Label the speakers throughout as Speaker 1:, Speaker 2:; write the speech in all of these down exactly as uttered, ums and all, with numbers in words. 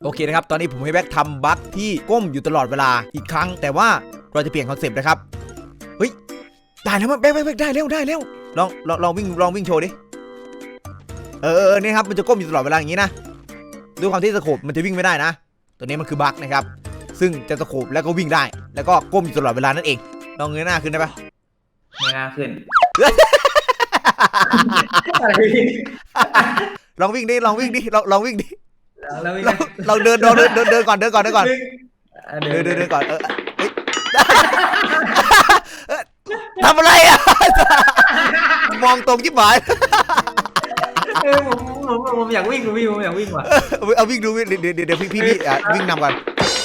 Speaker 1: โอเคนะครับตอนนี้ผมให้แบ็คทำบั๊กที่ก้มอยู่ตลอดเวลาอีกครั้งแต่ว่าเราจะเปลี่ยนคอนเซปต์นะครับเฮ้ยได้แล้วมั้ยแบ็คแบ็คได้เร็วได้เร็วลองลองลองวิ่งลองวิ่งโชว์ดิเออเออนี่ครับมันจะก้มอยู่ตลอดเวลาอย่างนี้นะด้วยความที่สโคปมันจะวิ่งไม่ได้นะตัวนี้มันคือบั๊กนะครับซึ่งจะสโคปแล้วก็วิ่งได้แล้วก็ก้มอยู่ตลอดเวลานั่นเองลองเงยหน้าขึ้นได้ปะ
Speaker 2: เงยหน้าขึ้น
Speaker 1: ลองวิ่งดิลองวิ่งดิลองลองวิ่งดิ
Speaker 2: เราไม่
Speaker 1: ลองเดินเดินเดินเดินเดินก่อนเดินก่อนเดินก่อนเดินเดินเดินก่อนเออทำอะไรอ่ะมองตรงจิ๊บหมาย
Speaker 2: เออผมผมผมอยากวิ่งผมวิ่งผมอยากวิ่งว่ะ
Speaker 1: เอาวิ่งดูเดี๋ยวเดี๋ยวเดี๋ยวพี่พี่พี่วิ่งนำก่อน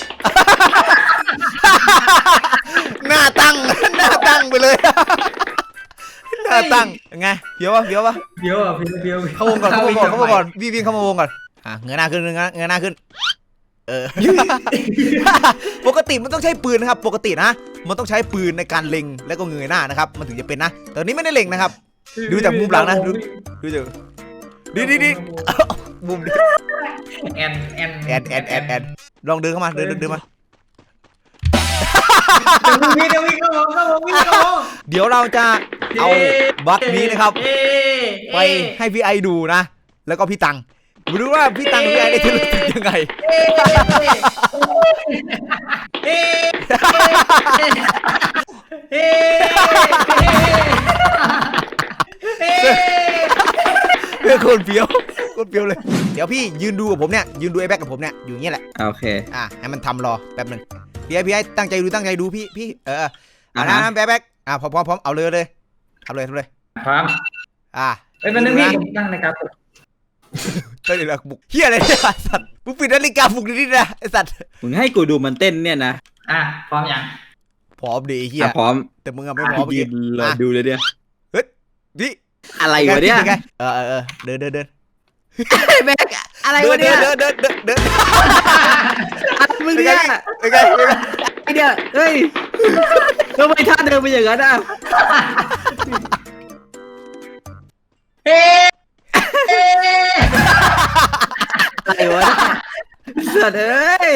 Speaker 1: หน้าตั้งหน้าตั้งไปเลยหน้าตั้งไงเพี้ยววะเพี้ยววะ
Speaker 2: เพี้ยวอ่ะเพี้ยวเพี้ยว
Speaker 1: เข้าวงก่อนเข้าวงก่อนเข้าวงก่อนวิ่งวิ่งเข้ามาวงก่อนอ่ะเงยหน้าขึ้นเงยเงยหน้าขึ้นเออปกติมันต้องใช้ปืนนะครับปกตินะมันต้องใช้ปืนในการเล็งแล้วก็เงยหน้านะครับมันถึงจะเป็นนะแต่นี้ไม่ได้เล็งนะครับดูจากมุมหลังนะดูดูจากดีดีดีมุมนี้
Speaker 2: แอนแอน
Speaker 1: แอนแอนแอนแอนลองเดินเข้ามาเดินเดินเดินมา
Speaker 2: วิ่งเดี๋ยววิ่งเข้าวงเข้าวงวิ่งเข้าวง
Speaker 1: เดี๋ยวเราจะเอาบัคนี้นะครับไปให้พี่ไอดูนะแล้วก็พี่ตังมาดูว่าพี่ตังกับพี่ไอได้รู้สึกยังไงเพื่อคนเฟี้ยวคนเฟี้ยวเลยเดี๋ยวพี่ยืนดูกับผมเนี่ยยืนดูไอ้แบ็กกับผมเนี่ยอยู่อย่างเงี้ยแหละ
Speaker 3: โอเค
Speaker 1: อ่ะให้มันทำรอแป๊บนึงพี่ไอพี่ไอตั้งใจดูตั้งใจดูพี่พี่เอออ่ะนะแบ็กแบ็กอ่ะพร้อมพร้อมพร้อมเอาเลยเลยทำเลยทำเลย
Speaker 2: พร้อม
Speaker 1: อ่ะ
Speaker 2: เอ้ยมันนึกพี่ผมตั้งนาฬิกาปลุก
Speaker 1: นาฬิกาปลุกเฮียอะไรเนี่ยสัตว์มึงปิดนาฬิกาปลุกนิดๆนะไอสัตว์
Speaker 3: มึงให้กูดูมันเต้นเนี่ยนะ
Speaker 2: อ่ะพร้อมยัง
Speaker 1: พร้อมดีเฮีย
Speaker 3: พร้อม
Speaker 1: แต่มึงอะไม่พร้อม
Speaker 3: ยืนเลยดูเลยเนี่ย
Speaker 1: เฮ้ยนี่
Speaker 3: อะไรวะเนี่ย
Speaker 1: เออเออเดินเดินเดิน
Speaker 3: แบกอะไรวะเนี่ย
Speaker 1: เดินเดินเดินเดิน
Speaker 3: มึงเนี่ย
Speaker 1: ไอ้ไง
Speaker 3: ไอ้เนี่ยเฮ้ยทำไมท่าเดินไปอย่างนั้นอ่ะ
Speaker 2: เฮ้
Speaker 3: อะไรวะสัตว์เอ้ย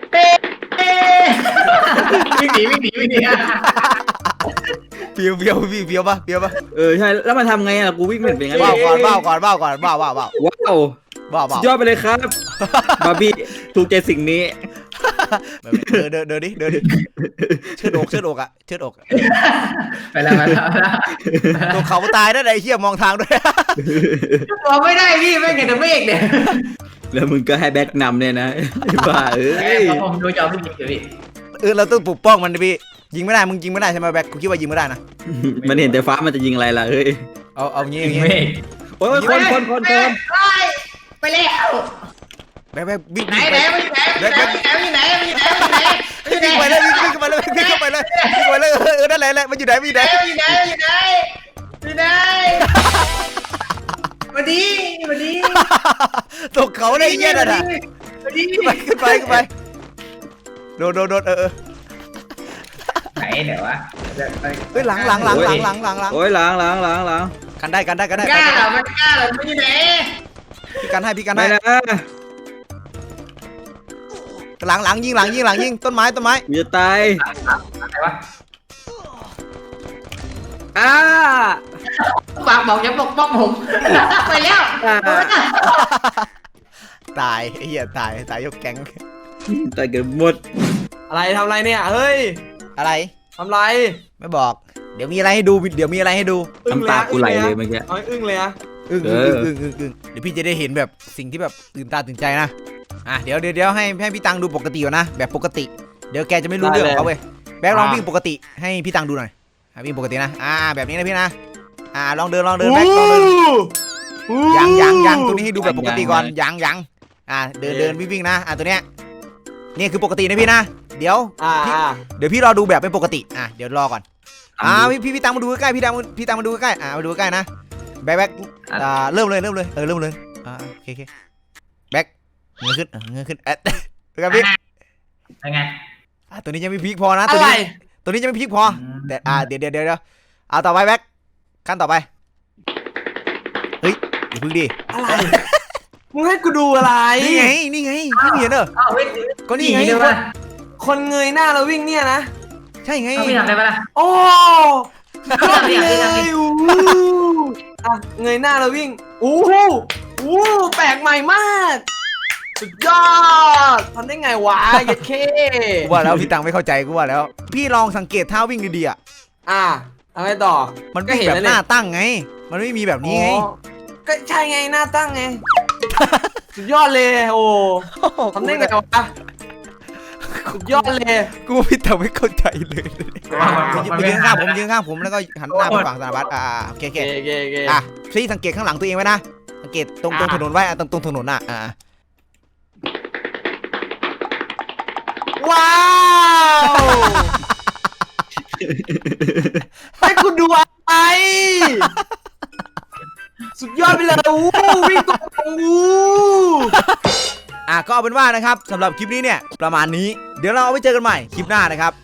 Speaker 2: วิ่งหนีวิ่งหนีวิ่งหนี
Speaker 1: เปียวเปียวพี่เปียวปะเปียวปะ
Speaker 3: เออใช่แล้วมาทำไงอ่ะกูวิ่งเหมือนเป็นไง
Speaker 1: บ้าก่อนบ้าก่อนบ้าก่อนบ้าบ้าบ้า
Speaker 3: ว้าว
Speaker 1: บ้าบ้าย
Speaker 3: อดไปเลยครับบาร์บี้ถูกใจสิ่งนี้
Speaker 1: เดินเดินเดินดิเดินดิเชิดอกเชิดอกอ่ะเชิดอก
Speaker 2: ไปแล้วไปแล้ว
Speaker 1: ตัวเขาตายได้ไอ้เหี้ยมองทางด้วย
Speaker 2: มองไม่ได้พี่ไม่เห็นแต่เมฆเนี่ย
Speaker 3: แล้วมึงก็ให้แบ็คนำเนี่ยนะบ้าเอ้ย
Speaker 2: ผมดูจอพี่พี่
Speaker 1: เออเราต้องปกป้องมันดิพี่ยิงไม่ได้มึงยิงไม่ได้ใช่ไหมแบ็คกูคิดว่ายิงไม่ได้นะ
Speaker 3: มันเห็นแต่ฟ้ามันจะยิงอะไรล่ะเฮ้ย
Speaker 1: เอาเอางี้อย่างงี้
Speaker 3: โอ้ยคนคนคนคน
Speaker 2: ไปแล้ว
Speaker 1: แบ็คแบ็ควิ่ง
Speaker 2: ไหนไหนไปไหนไปไหนไปไหนไปไหนไปไหนไปไหน
Speaker 1: วิ่งไปเลยวิ่งเข้าไปเลยวิ่งเข้าไปเลยวิ่งไปเลยเออนั่นแหละแหละมันอยู่ไหนมันอยู่ไหน
Speaker 2: อยู่ไหนอยู่ไหนอยู่ไหนมาดีมาดี
Speaker 1: ตกเขาได้เงี้ยนะ
Speaker 2: มาดี
Speaker 1: ไปขึ้นไปขึ้นไปโดนโดนโดนเออ
Speaker 2: ไหนเดี๋ยววะ
Speaker 1: เฮ้ยหลังหลังหลังหลังหลังหลังหลัง
Speaker 3: โอ้ยหลังหลังหลังหลัง
Speaker 1: กันได้กันได้กันได้
Speaker 2: กล้าเหรอมันกล้าเหรอมันอยู่ไหน
Speaker 1: พี่กันให้พี่กันให้
Speaker 3: นะ
Speaker 1: หลังหลังยิงหลังยิงหลังยิงต้นไม้ต้นไม้
Speaker 3: มีจะตาย
Speaker 2: อะไรวะ
Speaker 3: อ้า
Speaker 2: ฝากบอกอย่าปกป้องผมไปแล้ว
Speaker 1: ตายไอ้เหี้ยตายตายยกแก๊ง
Speaker 3: ตายเกิดหมด
Speaker 4: อะไรทำอะไรเนี่ยเฮ้ย
Speaker 1: อะไร
Speaker 4: ทำไร
Speaker 1: ไม่บอกเดี๋ยวมีอะไรให้ดูเดี๋ยวมีอะไรให้ดู
Speaker 3: น้ำตากูไหลเลยเมื่อกี้
Speaker 4: อึ้งเลยอะ
Speaker 1: อึ้งอึ้งอึ้งอึ้งอึ้งเดี๋ยวพี่จะได้เห็นแบบสิ่งที่แบบตื่นตาตื่นใจนะอ่ะเดี๋ยวเดี๋ยวเดี๋ยวให้ให้พี่ตังดูปกติก่อนนะแบบปกติเดี๋ยวแกจะไม่รู้เรื่องของเขาเว้ยแบ็คลองวิ่งปกติให้พี่ตังดูหน่อยวิ่งปกตินะอ่าแบบนี้นะพี่นะอ่าลองเดินลองเดินแบ็คลองเดินยังยังยังตัวนี้ให้ดูแบบปกติก่อนยังยังอ่าเดินเดินวิ่งวิ่งนะอ่าตัวเนี้ยนี่คือปกตินะพี่นะเดี๋ยวเดี๋ยวพี่รอดูแบบเป็นปกติอ่ะเดี๋ยวรอก่อนอ่าพี่พี่พี่ตังมาดูใกล้พี่ตังพี่ตังมาดูใกล้อ่ามาดูใกล้นะแบ็คแบ็คอ่าเริ่มเลยเริ่มเลยเออเริ่มเลยอ่าโอเคโอเคแบ็คเงยขึ้นเงยขึ้นเอ๊ะเป็นไงพี่
Speaker 2: เป็นไง
Speaker 1: อ่าตัวนี้ยังไม่พีคพอนะตัวนี้ตัวนี้ยังไม่พีคพอแต่อ่าเดี๋ยวเดี๋ยวเดี๋ยวเอาต่อไปแบ็คขั้นต่อไปเฮ้ยอย่าพึ่งดิ
Speaker 4: อะไรมึงให้กูดูอะไร
Speaker 1: นี่ไงนี่ไงพี่เห็นเหรอ
Speaker 2: อ้าวเฮ้ย
Speaker 1: ก็นี่ไง
Speaker 2: เดี๋ยวมา
Speaker 4: คนเงยหน้าแล้ววิ่งเนี่ยนะ
Speaker 1: ใช่ไง
Speaker 2: เอาพี่ทำได้ปะล่ะ
Speaker 4: โอ้
Speaker 2: พี่ทำพี่ทำพี่ทำพี่
Speaker 4: อู้อ่ะเงยหน้าแล้ววิ่งอู้หูอู้แปลกใหม่มากสุดยอดทำได้ไงวะเยัดเค
Speaker 1: กูว่าแล้วพี่ตังไม่เข้าใจกูว่าแล้ว พี่ลองสังเกตท่าวิ่งดีๆอ่ะ
Speaker 4: อ่ะทำไงต่อ
Speaker 1: มัน
Speaker 4: ก็
Speaker 1: วิ่ง
Speaker 4: เห็น
Speaker 1: แบบ
Speaker 4: แล้ว
Speaker 1: ห
Speaker 4: นี่
Speaker 1: น้าตั้งไง มันไม่มีแบบนี้ไง
Speaker 4: อ๋อก็ใช่ไงหน้าตั้งไง สุดยอดเลยโอ้ทำได้ไงวะสุดยอดเลย
Speaker 1: กูว่าพี่ตังไม่เข้าใจเลย
Speaker 2: อ่ะ
Speaker 1: ไปยืนข้างผมยืนข้างผมแล้วก็หันหน้าไปฝั่งสารวัตรอ่าโอเคโอ
Speaker 4: เก
Speaker 1: เค
Speaker 4: เกเก
Speaker 1: อ่ะพี่สังเกตข้างหลังตัวเองไว้นะสังเกตตรงตรงถนนไว้อ่ะตรงตรงถนนอ่ะอ่า
Speaker 4: ว้าวให้คุณดูอะไรสุดยอดไปเลยอู้วิ่งตรงอู้
Speaker 1: อ่ะก็เอาเป็นว่านะครับสำหรับคลิปนี้เนี่ยประมาณนี้เดี๋ยวเราเอาไว้เจอกันใหม่คลิปหน้านะครับ